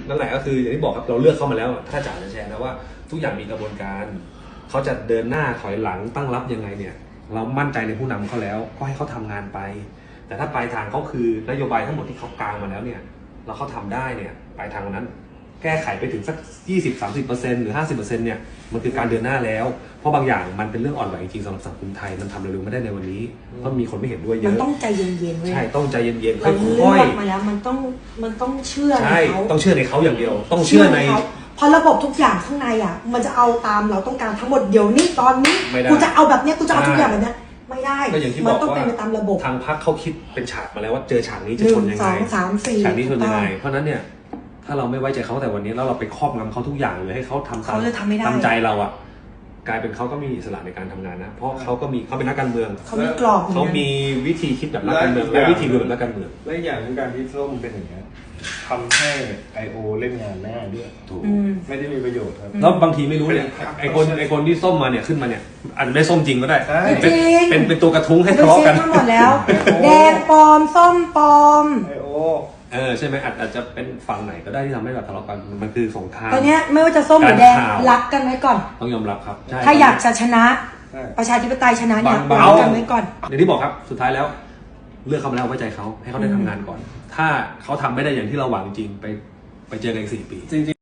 นั่นแหละก็คืออย่างที่บอกครับเราเลือกเข้ามาแล้วถ้าจ๋าจะแชร์นะว่าทุกอย่างมีกระบวนการเขาจะเดินหน้าถอยหลังตั้งรับยังไงเนี่ยเรามั่นใจในผู้นำเขาแล้วก็ให้เขาทำงานไปแต่ถ้าปลายทางเขาคือนโยบายทั้งหมดที่เขากางมาแล้วเนี่ยเราเขาทำได้เนี่ยปลายทางนั้นแก้ไขไปถึงสัก 20-30% หรือ 50% เนี่ยมันคือการเดินหน้าแล้วเพราะบางอย่างมันเป็นเรื่องอ่อนไหวจริงๆสำหรับสังคมไทยมันทำเร็วๆไม่ได้ในวันนี้เพราะมีคนไม่เห็นด้วยเยมันอะต้องใจเย็นๆเว้ยใช่ต้องใจเย็นๆค่เราเลืออย กมาแล้วมันต้องเชื่อๆในใช่เขาต้องเชื่อในเขาอย่างเดียวต้องเชื่อในเขาพอระบบทุกอย่างข้างในอ่ะมันจะเอาตามเราต้องการทั้งหมดเดี๋ยวนี้ตอนนี้ไม่ได้กูจะเอาแบบเนี้ยกูจะเอาทุกอย่างแบบเนี้ยไม่ได้ก็อย่างที่บมัอกต้องว่าเป็นไปตามระบบทางพรรคเขาคิดเป็นฉากมาแล้วว่าเจอฉากนี้จะหนึ่ชงนยังสไงองสามสี่ฉากนี้ชนยังไงถูกต้องเพราะฉะนั้นเนี่ยถ้าเราไม่ไว้ใจเขาแต่วันนี้แล้วเราไปครอบงำเขาทุกอย่างเลยให้เขาทำตามเขาเลยทำไม่ได้ตามใจเราอ่ะกลายเป็นเขาก็มีอิสระในการทำงานนะเพราะเขาเป็นนักการเมืองเขามีกรอบเขามีวิธีคิดแบบนักการเมืองและวิธีดูแบบนักการเมืองและอย่างหนึ่งการที่ส้มเป็นอย่างเงี้ยทำให้ I.O. เล่นงานง่ายด้วยถูกไม่ได้มีประโยชน์ครับแล้วบางทีไม่รู้เนี่ยไอคนที่ส้มมาเนี่ยขึ้นมาเนี่ยอาจจะไม่ส้มจริงก็ได้ใช่จริงเป็นตัวกระทุ้งให้ไปทะเลาะเช็กัคน มาหมดแล้ว แดงปลอมส้มปลอม I.O. ใช่ไหมอาจจะเป็นฝั่งไหนก็ได้ที่ทำให้แบบทะเลาะกันมันคือสงครามตอนเนี้ยไม่ว่าจะส้มหรือแดงการข่าวรักกันไว้ก่อนต้องยอมรับครับใช่ถ้าอยากจะชนะใช่ประชาธิปไตยชนะเนี่ยบางรักกันไว้ก่อนอย่างที่บอกครับสุดท้ายแล้วเลือกเขามาแล้วไว้ใจเขาให้เขาได้ทำงานก่อน ถ้าเขาทำไม่ได้อย่างที่เราหวังจริงไปเจอกันอีก4 ปี